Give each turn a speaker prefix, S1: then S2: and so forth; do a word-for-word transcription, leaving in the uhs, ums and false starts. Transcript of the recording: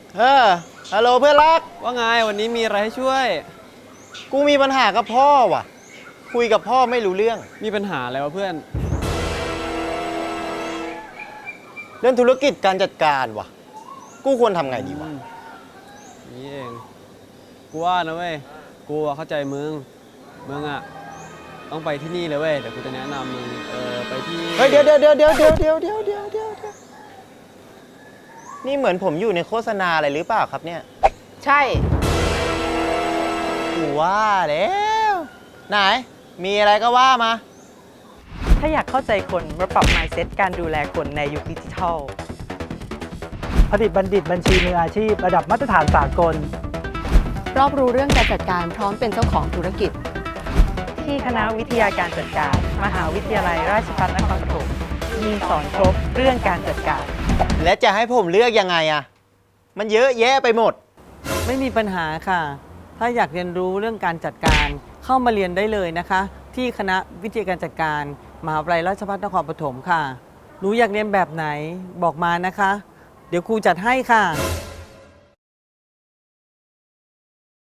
S1: เออฮัลโหลเพื่อนรัก
S2: ว่าไงวันนี้มีอะไรให้ช่วย
S1: กูมีปัญหากับพ่อว่ะ คุยกับพ่อไม่รู้เรื่อง
S2: มีปัญหาอะไรวะเพื่อน
S1: เรื่องธุรกิจการจัดการว่ะ กูควรทำไงดีวะ
S2: นี่เองกูว่านะเว้ยกูอะเข้าใจมึงมึงอะต้องไปที่นี่เลยเว้ยเดี๋ยวกูจะแนะนำมึงเออไปที่
S1: เฮ้ยเดี๋ยวเดี๋ยวเดี๋ยวเดี๋ยวเดี๋ยวเดี๋ยวเดี๋ยวเดี๋ยวเดี๋ยวเดี๋ยวนี่เหมือนผมอยู่ในโฆษณาอะไรหรือเปล่าครับเนี่ย
S3: ใช่
S1: กูว่าแล้ว ไหน มีอะไรก็ว่ามา
S3: ถ้าอยากเข้าใจคนมาปรับ mindset การดูแลคนในยุคดิจิทัล
S4: ผลิตบัณฑิตบัญชีมืออาชีพระดับมาตรฐานสากล
S5: รอบรู้เรื่องการจัดการพร้อมเป็นเจ้าของธุรกิจ
S3: ที่คณะวิทยาการจัดการ มหาวิทยาลัยราชภัฏนครปฐมมีสอนครบเรื่องการจัดการ
S1: และจะให้ผมเลือกยังไงอะมันเยอะแยะไปหมด
S6: ไม่มีปัญหาค่ะ ถ้าอยากเรียนรู้เรื่องการจัดการเข้ามาเรียนได้เลยนะคะ ที่คณะวิทยาการจัดการมหาวิทยาลัยราชภัฏนครปฐมค่ะหนูอยากเรียนแบบไหนบอกมานะคะ เดี๋ยวครูจัดให้ค่ะ